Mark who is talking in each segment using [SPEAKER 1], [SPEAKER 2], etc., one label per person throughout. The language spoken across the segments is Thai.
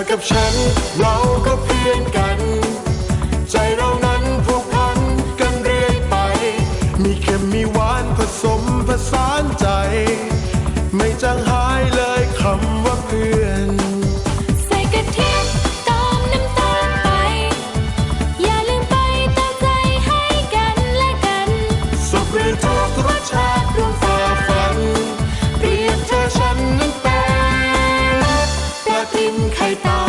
[SPEAKER 1] กับฉันเราก็เพื่อนกันใจเรานั้นผูกพันกันเรื่อยไปมีเค็มมีหวานผสมผสานใจไม่จางหายเลยคำว่าเพื่อน
[SPEAKER 2] ใส่กะทิเติมน้ำตาลไปอย่าลืมไปเติมใจให้กันและกัน
[SPEAKER 1] สุขหรือทุกข์รสชาติร่วมฝ่าฟันเปรียบเธอฉันนั้นเป็นปลาทิมไข่เต่า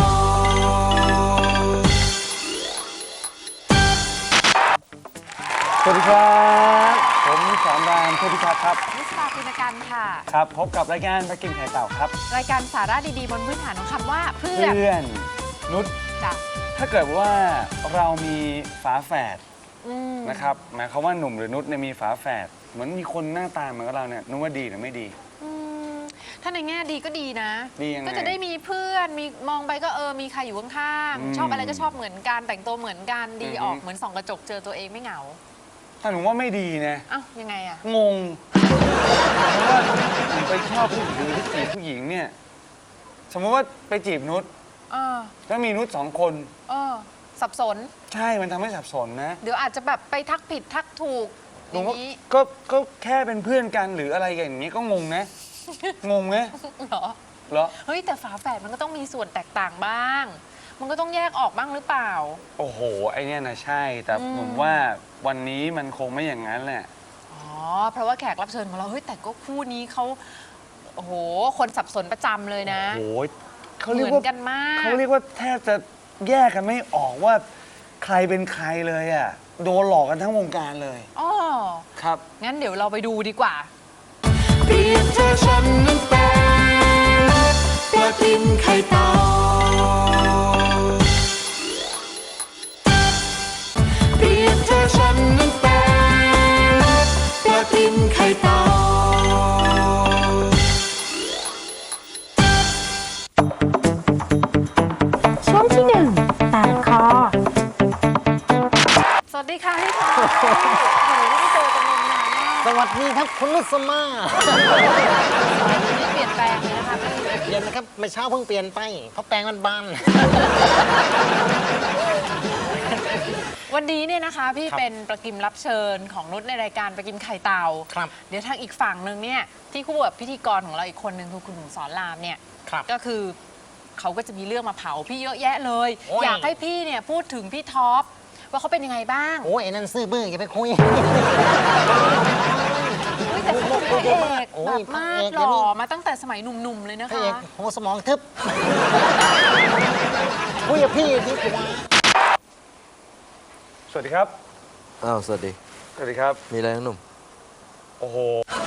[SPEAKER 3] สวัสดีครับผมสอนรามเทพิทักษ์ครับ
[SPEAKER 4] นิสตาปุณกันค่ะ
[SPEAKER 3] ครับพบกับรายการปลากิมไข่เต่าครับ
[SPEAKER 4] รายการสาระดีๆบนพื้นฐานของคำว่าเพื่
[SPEAKER 3] อนนุช
[SPEAKER 4] จ้ะ
[SPEAKER 3] ถ้าเกิดว่าเรามีฝาแฝดนะครับหมายความว่าหนุ่มหรือนุชเนี่ยมีฝาแฝดเหมือนมีคนหน้าตาเหมือนกับเราเนี่ยนุชว่าดีหรือไม่ดี
[SPEAKER 4] ถ้าในแง่ดีก็ดีนะ
[SPEAKER 3] ดียังไง
[SPEAKER 4] ก็จะได้มีเพื่อนมีมองไปก็มีใครอยู่ข้างๆชอบอะไรก็ชอบเหมือนกันแต่งตัวเหมือนกันดีออกเหมือนส่องกระจกเจอตัวเองไม่เหงา
[SPEAKER 3] ถ้าหนูว่าไม่ดีนะ
[SPEAKER 4] อ้าวยังไงอะ
[SPEAKER 3] งงเพราะว่าหนูไปชอบผู้หญิงหรือไปจีบผู้หญิงเนี่ยสมมติว่าไปจีบนุชแล้วมีนุช2 คน
[SPEAKER 4] สับสน
[SPEAKER 3] ใช่มันทำให้สับสนนะ
[SPEAKER 4] เดี๋ยวอาจจะแบบไปทักผิดทักถูกอย่างนี้
[SPEAKER 3] ก็แค่เป็นเพื่อนกันหรืออะไรอย่างนี้ก็งงนะงงไหมเหรอ
[SPEAKER 4] เฮ้ยแต่ฝาแฝดมันก็ต้องมีส่วนแตกต่างบ้างมันก็ต้องแยกออกบ้างหรือเปล่า
[SPEAKER 3] โอ้โหไอเนี้ยนะใช่แต่ผมว่าวันนี้มันคงไม่อย่างนั้นแหละ
[SPEAKER 4] เพราะว่าแขกรับเชิญของเราเฮ้ยแต่ก็คู่นี้เขาโอ้โหคนสับสนประจำเลยนะ
[SPEAKER 3] โอ้โห
[SPEAKER 4] เขาเรียกว่ากันมาก
[SPEAKER 3] เขาเรียกว่าแทบจะแยกกันไม่ออกว่าใครเป็นใครเลยอ่ะโดนหลอกกันทั้งวงการเลยครับ
[SPEAKER 4] งั้นเดี๋ยวเราไปดูดีกว่า
[SPEAKER 1] เปรียบเธอฉันนั้นเป็นปลาทิมไข่เต่าเปรียบเธอฉันนั้นเป็นปลาทิมไข่เต่า
[SPEAKER 2] ช่วงที่1แตกคอ
[SPEAKER 4] สวัสดีค่ะพี่พอโอ้โหไม่เจอกันนานมาก
[SPEAKER 5] สวัสดีครับคุณนุสมา
[SPEAKER 4] นี่เปลี่ยนแปลงเลยนะคะ
[SPEAKER 5] เปลี่ยนนะครับเมื่อเช้าเพิ่งเปลี่ยนไปเพราะแปลงมันบาน
[SPEAKER 4] วันนี้เนี่ยนะคะพี่เป็นประกิมรับเชิญของนุชในรายการประกิมไข่เต่าเดี๋ยวทางอีกฝั่งหนึ่งเนี่ยที่คู่กับพิธีกรของเราอีกคนหนึ่งคือคุณหนุ่มสอนรามเนี่ยก็คือเขาก็จะมีเรื่องมาเผาพี่เยอะแยะเลยอยากให้พี่เนี่ยพูดถึงพี่ท็อปว่าเขาเป็นยังไงบ้าง
[SPEAKER 5] โอ้ยนั่นซื่อบื้ออย่าไปคุย
[SPEAKER 4] แต่เขาเป็นพระเอกแบบมากหล่อมาตั้งแต่สมัยหนุ่มๆเลยนะคะพระเอก
[SPEAKER 5] โหสมองทึบคุยกับพี่ดีกว่า
[SPEAKER 3] สวัสดีครับ
[SPEAKER 6] สวัสดี
[SPEAKER 3] สวัสดีครับ
[SPEAKER 6] มีอะไรน้องหนุ่ม
[SPEAKER 3] โอ้โห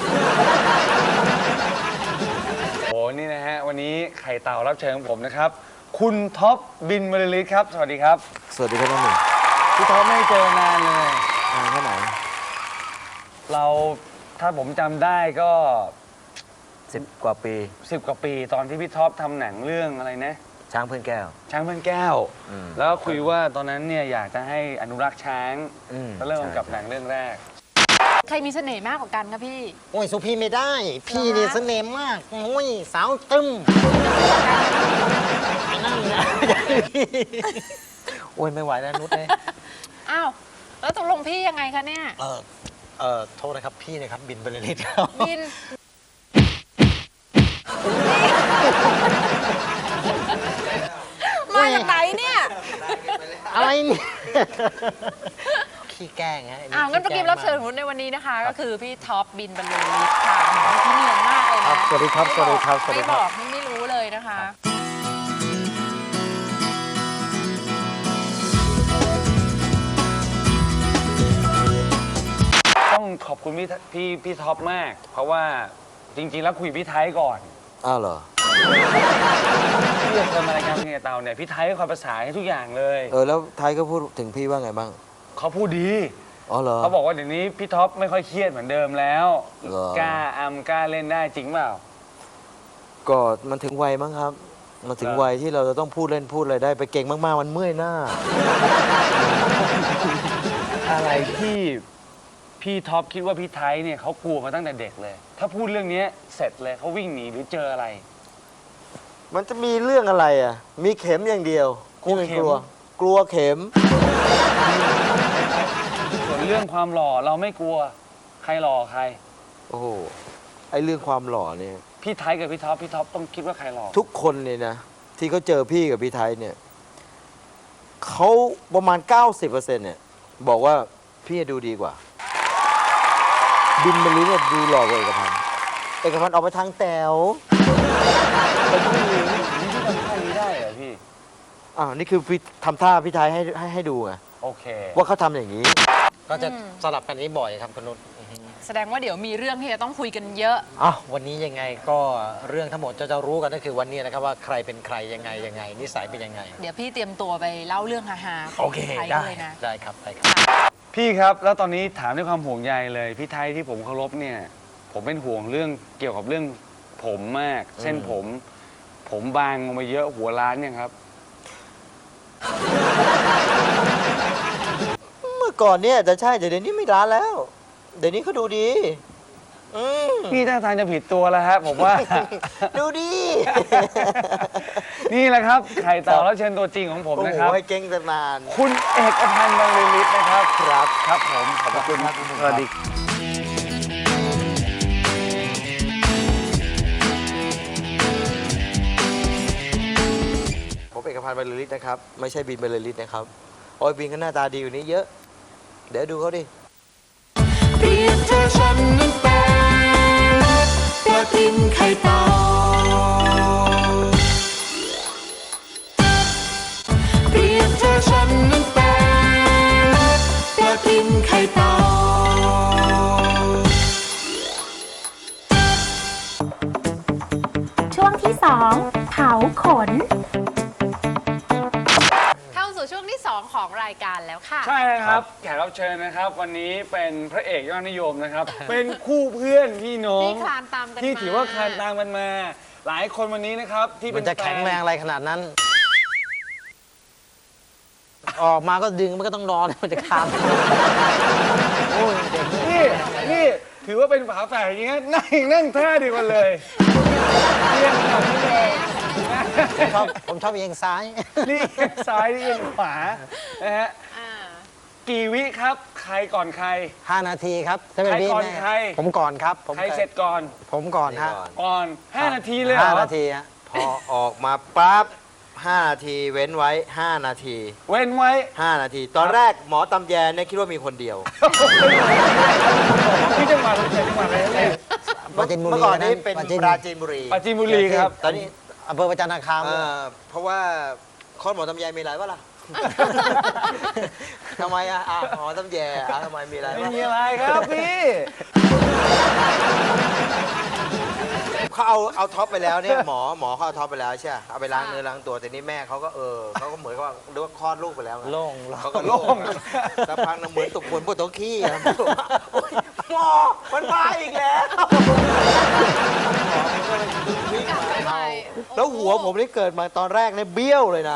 [SPEAKER 3] นี่นะฮะวันนี้ไข่เต่ารับเชิญของผมนะครับคุณท็อปบินบรรลือฤทธิ์ครับสวัสดีครับ
[SPEAKER 6] สวัสดีครับน้องหนุ่ม
[SPEAKER 3] พี่ท็อปไม่เจอนานเลย
[SPEAKER 6] นานแค่ไหน
[SPEAKER 3] เราถ้าผมจำได้ก็
[SPEAKER 6] 10 กว่าปี
[SPEAKER 3] 10 กว่าปีตอนที่พี่ท็อปทำหนังเรื่องอะไรนะ
[SPEAKER 6] ช้างเพื่อนแก้ว
[SPEAKER 3] ช้างเพื่อนแก้วแล้วก็คุยว่าตอนนั้นเนี่ยอยากจะให้อนุรักษ์ช้างก็เริ่มกับหนังเรื่องแรก
[SPEAKER 4] ใครมีเสน่ห์มากกว่ากันครับพี่
[SPEAKER 5] โอ้ยสุพี่ไม่ได้พี่เนี่ยเสน่ห์มากโอ้ยสาวตึมนั่นนะโอ้ยไม่ไหวแล้วนุชเลย
[SPEAKER 4] อ้าวแล้วตกลงพี่ยังไงคะเนี่ย
[SPEAKER 5] โทษนะครับพี่นะครับบินบรรลือฤทธิ์ครับ
[SPEAKER 4] บินมาจากไหนเนี่ย
[SPEAKER 5] อะไรเนี่ยขี้แกล้งฮะ
[SPEAKER 4] งั้นประกิมรับเชิญของในวันนี้นะคะก็คือพี่ท็อปบินบรรลือฤทธิ์ค่ะที่เนียนมากเลยนะ
[SPEAKER 5] สวัสดีครับสวัสดีครับ
[SPEAKER 4] ไม่บอกไม่รู้เลยนะคะ
[SPEAKER 3] ต้องขอบคุณพี่ท็อปมากเพราะว่าจริงๆแล้วคุยพี่ไทยก่อน
[SPEAKER 6] เหรอ
[SPEAKER 3] พี่จะเชิญมารายการเพลงเต่าเนี่ยพี่ไทยคอยประสานให้ทุกอย่างเลย
[SPEAKER 6] แล้วไทยก็พูดถึงพี่ว่าไงบ้าง
[SPEAKER 3] เขาพูดดี
[SPEAKER 6] เหรอ
[SPEAKER 3] เขาบอกว่าเดี๋ยวนี้พี่ท็อปไม่ค่อยเครียดเหมือนเดิมแล้วกล้าเล่นได้จริงเปล่า
[SPEAKER 6] ก็มันถึงวัยมั้งครับมันถึงวัยที่เราจะต้องพูดเล่นพูดอะไรได้ไปเก่งมากๆมันเมื่อยหน้า
[SPEAKER 3] อะไรที่พี่ท็อปคิดว่าพี่ไทยเนี่ยเขากลัวมาตั้งแต่เด็กเลยถ้าพูดเรื่องนี้เสร็จเลยเขาวิ่งหนีหรือเจออะไร
[SPEAKER 6] มันจะมีเรื่องอะไรอ่ะ มีเข็มอย่างเดียว
[SPEAKER 3] กลัวเข็ม
[SPEAKER 6] กลัวเข็ม
[SPEAKER 3] ส่วนเรื่องความหล่อเราไม่กลัวใครหล่อใคร
[SPEAKER 6] โอ้โห ไอเรื่องความหล่อเนี่ย
[SPEAKER 3] พี่ไทยกับพี่ท็อปต้องคิดว่าใครหล่อ
[SPEAKER 6] ทุกคนเนี่ยนะ ที่เขาเจอพี่กับพี่ไทยเนี่ยเขาประมาณ 90%เนี่ย บอกว่าพี่ดูดีกว่า บินบรรลือเนี่ยดูหล่อกว่าเอกพันธ์เอกพันธ์ออกไปทางแต๋วเป็นผู้หญิง
[SPEAKER 3] นี่พี่ทำท่านี้ได้เหรอพี่
[SPEAKER 6] นี่คือพี่ทำท่าพี่ไทยให้ดูไง
[SPEAKER 3] โอเค
[SPEAKER 6] ว่าเขาทำอย่างนี้
[SPEAKER 5] ก็จะสลับกันนี้บ่อยครับคุณนุช
[SPEAKER 4] แสดงว่าเดี๋ยวมีเรื่องที่จะต้องคุยกันเยอะ
[SPEAKER 5] วันนี้ยังไงก็เรื่องทั้งหมดจะรู้กันก็คือวันนี้นะครับว่าใครเป็นใครยังไงนิสัยเป็นยังไง
[SPEAKER 4] เดี๋ยวพี่เตรียมตัวไปเล่าเรื่องฮาๆข
[SPEAKER 5] โอ
[SPEAKER 4] อง
[SPEAKER 5] เค
[SPEAKER 4] ไทย
[SPEAKER 5] ได้
[SPEAKER 4] เลยนะ
[SPEAKER 5] ได้ครับ
[SPEAKER 3] พี่ครับแล้วตอนนี้ถามด้วยความห่วงใยเลยพี่ไทยที่ผมเคารพเนี่ย ผมเป็นห่วงเรื่องเกี่ยวกับเรื่องผมมาก เส้นผมบางลงไปเยอะหัวล้านยังครับ
[SPEAKER 6] เมื่อก่อนเนี่ยจะใช่แต่เดี๋ยวนี้ไม่ร้านแล้ว เดี๋ยวนี้เขาดูดี
[SPEAKER 3] พี่ท่าทางจะผิดตัวแล้วฮะผมว่า
[SPEAKER 6] ดูดี
[SPEAKER 3] นี่แหละครับไข่เต่าแล้วเชิญตัวจริงของผม
[SPEAKER 6] โอ้
[SPEAKER 3] นะ
[SPEAKER 6] โห
[SPEAKER 3] ครับ
[SPEAKER 6] ให้เก่งตั้งนาน
[SPEAKER 3] คุณเอกพันธ์บรรลือฤทธิ์นะครับ
[SPEAKER 6] ครับ
[SPEAKER 3] ผมขอบพระคุณครับ
[SPEAKER 6] สวัสดี ผมเอกพันธ์บรรลือฤทธิ์นะครับ ไม่ใช่บินบรรลือฤทธิ์นะครับโอ้ยบินก็หน้าตาดีกว่านี้เยอะ เดี๋ยวดูเขาดิ
[SPEAKER 1] เปรียบเธอฉันนั้นเป็นปลาทิมไข่เต่าเปรียบเธอฉันนั้นเป็นปลาทิมไข่เต่า
[SPEAKER 2] ช่วงที่ 2 เผาขน
[SPEAKER 4] เข้าสู่ช่วงที่ 2 ของรายการแล้วค่ะ
[SPEAKER 3] ใช่ครับแขกรับเชิญนะครับ วันนี้เป็นพระเอกยอดนิยมนะครับ เป็นคู่เพื่อนพี่น้อง
[SPEAKER 4] ที่คลานตามกัน
[SPEAKER 3] ที่
[SPEAKER 4] มา
[SPEAKER 3] ถือว่าคลานตามกันมา หลายคนวันนี้นะครับ ที่
[SPEAKER 5] มั
[SPEAKER 3] เป็น น
[SPEAKER 5] จะแข็งแรง
[SPEAKER 3] ฟน
[SPEAKER 5] อะไรขนาดนั้น ออกมาก็ดึงมันก็ต้องนอนมันจะคามโอ้ยเด็ก
[SPEAKER 3] นี่ถือว่าเป็นฝาแฝดอย่างเงี้ยนั่งท่าดีกว่าเลยเรียงขนาดนี้เลย
[SPEAKER 5] ผมชอบเอียงซ้าย
[SPEAKER 3] นี่เอียงซ้ายนี่เอียงขวานะฮะ
[SPEAKER 4] อ่า
[SPEAKER 3] กี่วิครับใครก่อนใคร
[SPEAKER 5] 5 นาทีครับถ้าเป็น
[SPEAKER 3] ใคร
[SPEAKER 5] พี่
[SPEAKER 3] ก่อน
[SPEAKER 5] แม่
[SPEAKER 3] ใคร
[SPEAKER 5] ผมก่อนครับผม
[SPEAKER 3] ใครเสร็จก่อน
[SPEAKER 5] ผมก่อนฮะ
[SPEAKER 3] ก่อน5 นาทีเลยเหรอ
[SPEAKER 5] 5 นาทีฮะ
[SPEAKER 6] พอออกมาปั๊บ 5 นาทีเว้นไว้ 5 นาที
[SPEAKER 3] เว้นไว้
[SPEAKER 6] 5 นาที ตอนแรกหมอตำแยเนี่ยคิดว่ามีคนเดียว
[SPEAKER 3] ที่จังหวัดอะไรจังหวัดอะไรเนี่ย
[SPEAKER 5] ปราจีนบุรี
[SPEAKER 6] เมื่อก่อนนี้เป็น
[SPEAKER 5] ปราจีน
[SPEAKER 6] ปราจีนบุรี
[SPEAKER 3] ปราจีนบุรีครับ
[SPEAKER 6] ตอนนี้
[SPEAKER 5] อำเภอประจันตคาม
[SPEAKER 6] เพราะว่าคลอดหมอตำแยมีอะไรวะล่ะ ทำไมหมอตำแยทำไมมีอะไร
[SPEAKER 3] ไม่
[SPEAKER 6] วะ
[SPEAKER 3] มีอะไรครับพี่
[SPEAKER 6] เขาเอาท็อปไปแล้วเนี่ยหมอเขาเอาท็อปไปแล้วใช่ไหมเอาไปล้างเนื้อล้างตัวแต่นี่แม่เขาก็เขาก็เหมือนกับว่าเรียกว่าคลอดลูกไปแล้วไง
[SPEAKER 5] โล่ง
[SPEAKER 6] เขาก็โล่งสักพักนึงเหมือนตุกคนปวดท้องขี้อะโอ๊ยหมอมันมาอีกแล้วแล้วหัวผมนี่เกิดมาตอนแรกเนี่ยเบี้ยวเลยนะ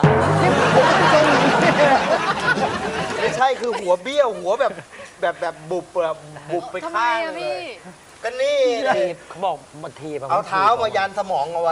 [SPEAKER 6] ไม่ใช่คือหัวเบี้ยวหัวแบบบุบไป
[SPEAKER 4] ทำไม
[SPEAKER 6] ข้าง
[SPEAKER 4] อะ
[SPEAKER 6] เล
[SPEAKER 4] พี่
[SPEAKER 6] ยก็นี่
[SPEAKER 5] ทีบเขาบอกมาทีบ
[SPEAKER 6] เอาเท้ามายันสมองเอาไว้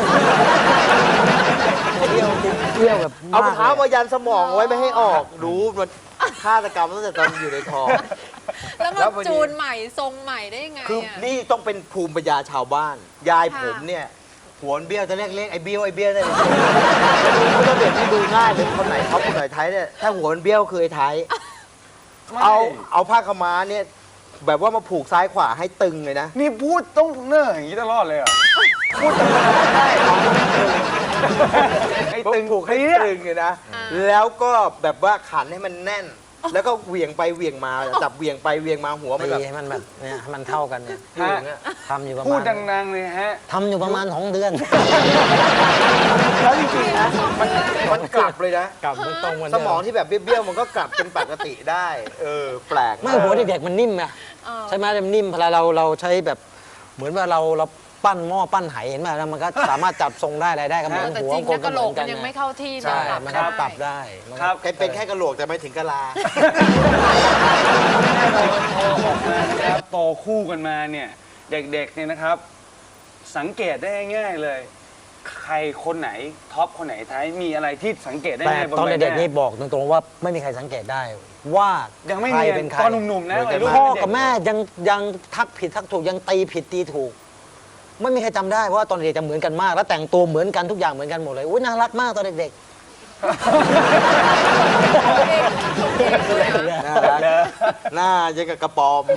[SPEAKER 5] เที่ยวจริงเที่ยวแบบ
[SPEAKER 6] เอาเท้ามายันสมองเอาไว้ไม่ให้ออกรู้มันฆาตกรรมตั้งแต่ตอนอยู่ในท้อง
[SPEAKER 4] แล้ว
[SPEAKER 6] แล้
[SPEAKER 4] มาว
[SPEAKER 6] พอดี
[SPEAKER 4] จูนใหม่ทรงใหม่ได้ยังไง
[SPEAKER 6] คือ
[SPEAKER 4] อะ
[SPEAKER 6] นี่ต้องเป็นภูมิปัญญาชาวบ้าน ยายผมเนี่ยหัวมันเบี้ยวจะเรียกไอ้เบี้ยวได้เลยไม่ต้องเด็กที่ดูง่ายเลยคนไหนเขาคนไหนไทยเนี่ยถ้าหัวมันเบี้ยวคือไอ้ไทยเอาผ้าขาวม้าเนี่ยแบบว่ามาผูกซ้ายขวาให้ตึงเลยนะ
[SPEAKER 3] นี่พูดต้องเนิ่ออย่างนี้ตลอดเลยเหรอพูดธรรมดาได้ไอ้ตึง
[SPEAKER 6] ผูกให้
[SPEAKER 3] เปี้ย
[SPEAKER 6] ตึงเลยนะ แล้วก็แบบว่าขันให้มันแน่น แล้วก็เหวี่ยงไปเหวี่ยงมาจับเหวี่ยงไปเหวี่ยงมาหัวมัน
[SPEAKER 5] ตี
[SPEAKER 6] แบบ
[SPEAKER 5] ให้มันแบบเนี่ยให้มันเท่ากันเนี่ย
[SPEAKER 6] อยู่อย่างเงี้ย
[SPEAKER 5] ทำอยู่ประ
[SPEAKER 3] พู
[SPEAKER 5] มา
[SPEAKER 3] ด
[SPEAKER 5] ณ
[SPEAKER 3] ดังๆเลยฮะ
[SPEAKER 5] ทำอยู่ประมาณ2 เดือน
[SPEAKER 6] แล้วจริงๆนะมันกลับเลยนะ
[SPEAKER 5] กลับมันตรงกัน
[SPEAKER 6] สมองที่แบบเบี้ยวๆมันก็กลับเป็นปกติได้ แปลก
[SPEAKER 5] ไม่หัวเด็กๆมันนิ่มไง ใช่ไหมมันนิ่มเวลาเราใช้แบบเหมือนว่าเราปั้นหม้อปั้นไหเห็นไหมแล้วมันก็สามารถจับทรงได้อะไรได้ก็เหมือน
[SPEAKER 4] แต่
[SPEAKER 5] หัว
[SPEAKER 4] จริง
[SPEAKER 5] คน
[SPEAKER 4] นะ
[SPEAKER 5] ก็
[SPEAKER 4] กะโห
[SPEAKER 5] เห
[SPEAKER 4] ล
[SPEAKER 5] มื
[SPEAKER 4] ก
[SPEAKER 5] อนกัน
[SPEAKER 4] มันยังไม่เข้าที่
[SPEAKER 5] ใช่
[SPEAKER 4] ปรับ
[SPEAKER 5] มัน
[SPEAKER 4] ได้
[SPEAKER 5] ก็ปรับได้มันก็
[SPEAKER 3] ครับ
[SPEAKER 6] เป็นแค่กระโหลกแต่ไม่ถึงกะลา
[SPEAKER 3] แน่นอนพอออกมานะครับโตคู่กันมาเนี่ยเด็กๆเนี่ยนะครับ สังเกตได้ง่ายๆเลยใครคนไหนท็อปคนไหนท้ายมีอะไรที่สังเกตได้
[SPEAKER 5] แต่
[SPEAKER 3] ไหมบน
[SPEAKER 5] ตอน
[SPEAKER 3] ใบห
[SPEAKER 5] เด็กๆ
[SPEAKER 3] น้า
[SPEAKER 5] นี่บอกตรงๆว่าไม่มีใครสังเกตได้ว่า
[SPEAKER 3] ยังไม่
[SPEAKER 5] ใคร
[SPEAKER 3] เนียน
[SPEAKER 5] เป็นใคร
[SPEAKER 3] ตอนหนุ่มๆนะวัยรุ่น
[SPEAKER 5] พ่อ
[SPEAKER 3] เด็
[SPEAKER 5] กับแม่ยังทักผิดทักถูกยังตีผิดตีถูก ไม่มีใครจำได้เพราะว่าตอนเด็กจะเหมือนกันมาก แล้วแต่งตัวเหมือนกันทุกอย่างเหมือนกันหมดเลยอุ้ยน่ารักมากตอนเด็ก
[SPEAKER 6] น่ารักหน้ายังกับกระปอม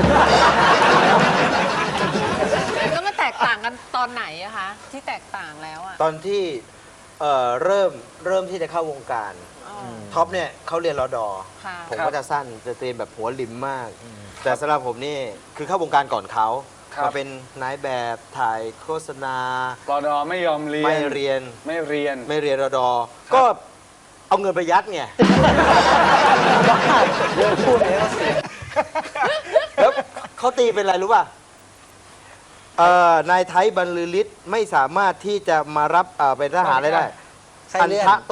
[SPEAKER 4] แล้วมันแตกต่างกันตอนไหนอะคะ ที่แตกต่างแล้วอะ
[SPEAKER 6] ตอนที่เริ่มที่จะเข้าวงการ
[SPEAKER 4] อ๋อ
[SPEAKER 6] ท็อปเนี่ยเขาเรียนรอดอ
[SPEAKER 4] ค่ะ
[SPEAKER 6] ผมก็จะสั้นจะเตรียมแบบหัวริมมาก แต่สำหรับผมนี่คือเข้าวงการก่อนเขา
[SPEAKER 3] ครับ
[SPEAKER 6] มาเป็นนายแบบถ่ายโฆษณา
[SPEAKER 3] รอดอไม่ยอมเรียน
[SPEAKER 6] ไม่เรียน
[SPEAKER 3] ไม่เรียน
[SPEAKER 6] ไม่เรียนรอดอ ก็เอาเงินไปยัดไง
[SPEAKER 5] ๆเรื่องพูดเลยก็เสีย
[SPEAKER 6] แล้วเขาตีเป็นอะไรรู้ป่ะนายไทยบรรลือฤทธิ์ไม่สามารถที่จะมารับเป็นทหารได้
[SPEAKER 5] ไส้
[SPEAKER 6] อัน
[SPEAKER 5] เลื่อน
[SPEAKER 6] ทะโต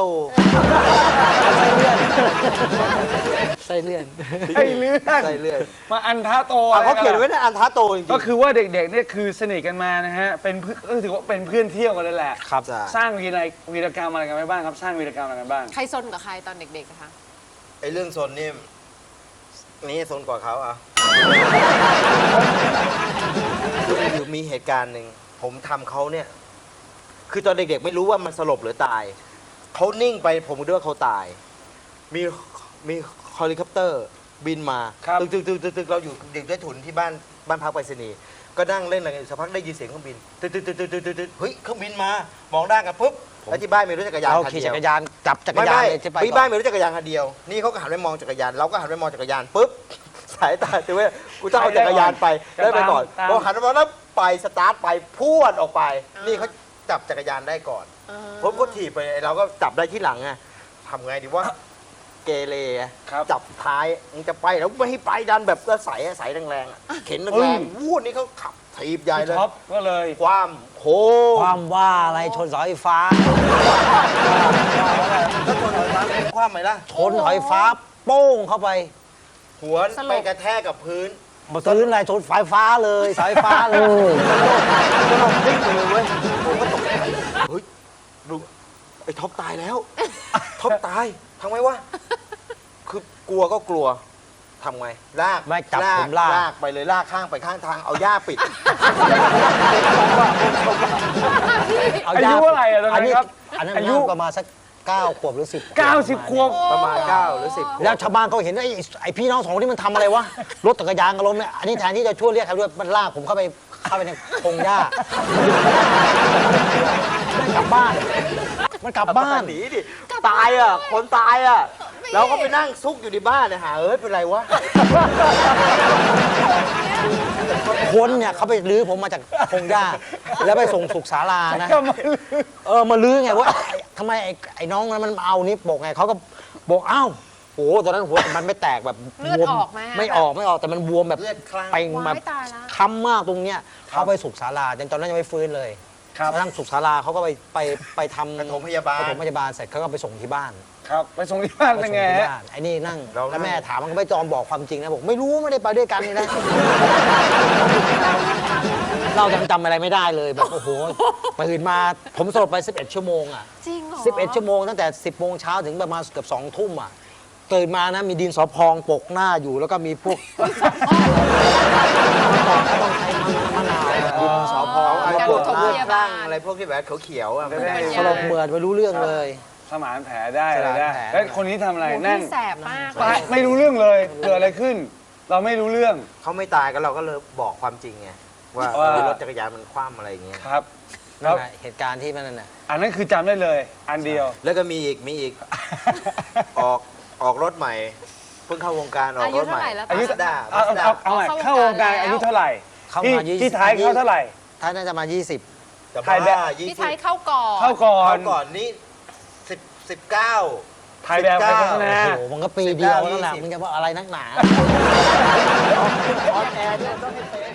[SPEAKER 5] ไส้เลื่อน
[SPEAKER 3] ไส้เลื่อน
[SPEAKER 6] ไส้เลื่อน
[SPEAKER 3] มาอันท้าโต
[SPEAKER 6] เขาเขียนไว้ในอันทะโตจริงๆ
[SPEAKER 3] ก็คือว่าเด็กๆเนี่ยคือสนิทกันมานะฮะเป็นเพื่อนก็ถือว่าเป็นเพื่อนเที่ยวกันเลยแหละ
[SPEAKER 5] ครับ
[SPEAKER 6] ใช่
[SPEAKER 3] สร้างวีรกรรมอะไรกันไปบ้างครับ สร้างวีรกรรมอะไรกันบ้าง
[SPEAKER 4] ใครซนกับใครตอนเด็กๆอะคะ
[SPEAKER 6] ไอ้เรื่องโซนนี่โซนกว่าเขาอ่ะคือมีเหตุการณ์หนึ่งผมทำเขาเนี่ย คือตอนเด็กๆไม่รู้ว่ามันสลบหรือตาย เขานิ่งไปผมคิดว่าเขาตาย มีเฮลิคอปเตอร์บินมา
[SPEAKER 3] ครับ
[SPEAKER 6] ตึกเราอยู่เด็กได้ถุนที่บ้านพักไปรษณีย์ก็นั่งเล่นอะไรกันสักพักได้ยินเสียงเครื่องบินตึกเฮ้ยเครื่องบินมามองด้านกันปุ๊บแล้วที่บ้านมีรถจักรยาน
[SPEAKER 5] เรา
[SPEAKER 6] คัน
[SPEAKER 5] ขี่
[SPEAKER 6] เดี
[SPEAKER 5] จั
[SPEAKER 6] ยว
[SPEAKER 5] กรยานจับจักร
[SPEAKER 6] ไม่
[SPEAKER 5] ยาน
[SPEAKER 6] ไม่
[SPEAKER 5] เลยที่ไป
[SPEAKER 6] ที่บ้านมีรถจักรยานคันเดียว นี่เขาก็หันไปมองจักรยาน เราก็หันไปมองจักรยานปุ๊บ สายตาถือว่ากูต้องเอาจักรยานไปได้ไปก่อน
[SPEAKER 3] ตาม
[SPEAKER 6] พอหันมาแล้วไปสตาร์ทไปพรวดออกไป นี่เขาจับจักรยานได้ก่อนผมก็ถีบไปเราก็จับได้ที่หลังไงทำไงดีว่าเกเรอะ
[SPEAKER 3] ครับ
[SPEAKER 6] จับท้ายมึงจะไปแล้วไม่ให้ไปดันแบบก็ใส่แรงๆอะเข็นแรงๆวูดนี่เขาขับถีบใหญ่เลย
[SPEAKER 3] ท็อปก็เลย
[SPEAKER 6] ความโค
[SPEAKER 5] ความว่าอะไรชนเสาไฟฟ้า
[SPEAKER 6] แล้วคนเอาน้ำความไหมล่ะ
[SPEAKER 5] ชนเสาไฟฟ้าโป้งเข้าไป
[SPEAKER 6] หัวไปกระแทกกับพื้น
[SPEAKER 5] มาซื้ออะไรชนไฟฟ้าเลยเสาไฟฟ้าเลย
[SPEAKER 6] ก็ลองพลิกไปเลยเว้ยผมก็ตกใจเฮ้ยดูไอ้ท็อปตายแล้ว ท็อปตายทำไงวะ คือกลัวก็กลัวทำไง ลาก
[SPEAKER 5] ไม่จับผมลาก
[SPEAKER 6] ไปเลยลากข้างไปข้างทาง เอาหญ้าปิด
[SPEAKER 3] อายุเท่าไหร่อะตอนนั้นครับ
[SPEAKER 5] อันนั้น
[SPEAKER 3] อายุ
[SPEAKER 5] น่าประมาณสัก9 ขวบหรือ 10
[SPEAKER 3] 90 ขวบ
[SPEAKER 6] ประมาณ9หรือ10ขบ
[SPEAKER 5] แล้วชาวบ้านเขาเห็นไอ้พี่น้องสองคนที่มันทำอะไรวะ รถจักรยานกับรถเนี่ยอันนี้แทนที่จะช่วยเรียกใครด้วยมันลากผมเข้าไปในพงหญ้าไม่กลับบ้าน มันกลับบ้าน
[SPEAKER 6] หนีดิ ตายอ่ะ คนตายอ่ะ เราก็ไปนั่งซุกอยู่ในบ้านเนี่ยหาเป็นไรวะ
[SPEAKER 5] คนเนี่ยเขาไปลื้อผมมาจากพงหญ้า แล้วไปส่งสุขศาลานะ
[SPEAKER 3] ก็ไม่ลืม
[SPEAKER 5] มาลื้อไงว่าทำไมไอ้น้องนั้นมันเอานี่บอกไงเขาก็บอกอ้าวโอ้ตอนนั้นหัวมันไม่แตกแบบ
[SPEAKER 4] เลือด
[SPEAKER 5] บวม
[SPEAKER 4] ออกไหม
[SPEAKER 5] ไม่ออกแต่มันบวมแบบ
[SPEAKER 6] เลือดคลั่ง
[SPEAKER 5] เป่งแบบ
[SPEAKER 4] ว้ายตายละ
[SPEAKER 5] ค้ำมากตรงเนี้ยเขาไปสุขศาลาจนตอนนั้นยังไม่ฟื้นเลย
[SPEAKER 3] ครับ
[SPEAKER 5] กระทั่งสุขศาลาเขาก็ไปทำ
[SPEAKER 6] ปฐมพยาบาล
[SPEAKER 5] ปฐมพยาบาลเสร็จเขาก็ไปส่งที่บ้าน
[SPEAKER 3] ครับ ไปส่งที่บ้าน
[SPEAKER 5] ไป
[SPEAKER 3] เป็น
[SPEAKER 5] ส่ง
[SPEAKER 3] ไง
[SPEAKER 5] ที่
[SPEAKER 3] ฮะ
[SPEAKER 5] บ้านไอ้นี่นั่ง
[SPEAKER 6] เรานั่ง
[SPEAKER 5] แล้วแม่ถามมันก็ไม่ยอมบอกความจริงนะบอกไม่รู้ไม่ได้ไปด้วยกันนี่นะ เราจำอะไรไม่ได้เลยแบบโอ้โหตื่นมาผมสลบไป 11 ชั่วโมงอ่ะ
[SPEAKER 4] จริงเหรอ
[SPEAKER 5] 11 ชั่วโมงตั้งแต่ 10 โมงเช้าถึงประมาณเกือบ2 ทุ่มอ่ะตื่นมานะมีดินสอพองปกหน้าอยู่แล้วก็มีพวกต้องใช้มะนาวดินสอพอง
[SPEAKER 6] เอา
[SPEAKER 4] การ
[SPEAKER 6] พวก
[SPEAKER 4] ปฐม
[SPEAKER 6] เลื
[SPEAKER 4] พ
[SPEAKER 6] อด
[SPEAKER 4] ยา
[SPEAKER 6] ค
[SPEAKER 4] บา
[SPEAKER 6] ลั่
[SPEAKER 4] ล
[SPEAKER 6] งอะไรพวกที่แบบเขียวๆอ่ะ
[SPEAKER 3] ไม่ได้
[SPEAKER 5] สลบเหมือดไม่รู้เรื่องเลย
[SPEAKER 3] สมานแผลได้อะไรได้
[SPEAKER 5] สมานแผล
[SPEAKER 3] แล้วคนนี้ทำอะไร
[SPEAKER 4] โอ้โห
[SPEAKER 3] นั่ง
[SPEAKER 4] พี่แสบมาก
[SPEAKER 3] ตายไม่รู้เรื่องเลยเกิดอะไรขึ้น เราไม่รู้เรื่อง
[SPEAKER 6] เขาไม่ตายก็เราก็เลยบอกความจริงไง ว่า
[SPEAKER 3] ว่า
[SPEAKER 6] รถจักรยานมันคว่ำอะไรอย่างเงี้ย
[SPEAKER 3] ครับ
[SPEAKER 5] นั่นแหละเหตุการณ์ที่มันนั่นน่ะ
[SPEAKER 3] อันนั้นคือจำได้เลย อันเดียว
[SPEAKER 6] แล้วก็มีอีก ออกรถใหม่ เพิ่งเข้าวงการออกรถใหม่
[SPEAKER 4] อายุเท่าไหร่แล้ว
[SPEAKER 6] มาสด้า
[SPEAKER 3] เอาใหม่เข้าวงการอายุเท่าไหร่
[SPEAKER 5] เข้า
[SPEAKER 3] ที่
[SPEAKER 5] มา
[SPEAKER 3] ที่ท้ายเข้าเท่าไหร่
[SPEAKER 5] ท้ายน่าจะมา 20
[SPEAKER 3] ถ่ายแบบ
[SPEAKER 4] พี่ไทยเข้าก่อน
[SPEAKER 3] เข้าก่อ
[SPEAKER 6] เข้าน ก่อนนี่19
[SPEAKER 3] ถ่ายแบบไปโฆษณา
[SPEAKER 5] โอ้โหมันก็ปีเดียว
[SPEAKER 6] 19
[SPEAKER 5] นั่นแหละ
[SPEAKER 6] 20
[SPEAKER 5] มึงจะว่าอะไรนักหนา
[SPEAKER 6] ออนแอร์ด้วยต้องให้เป็น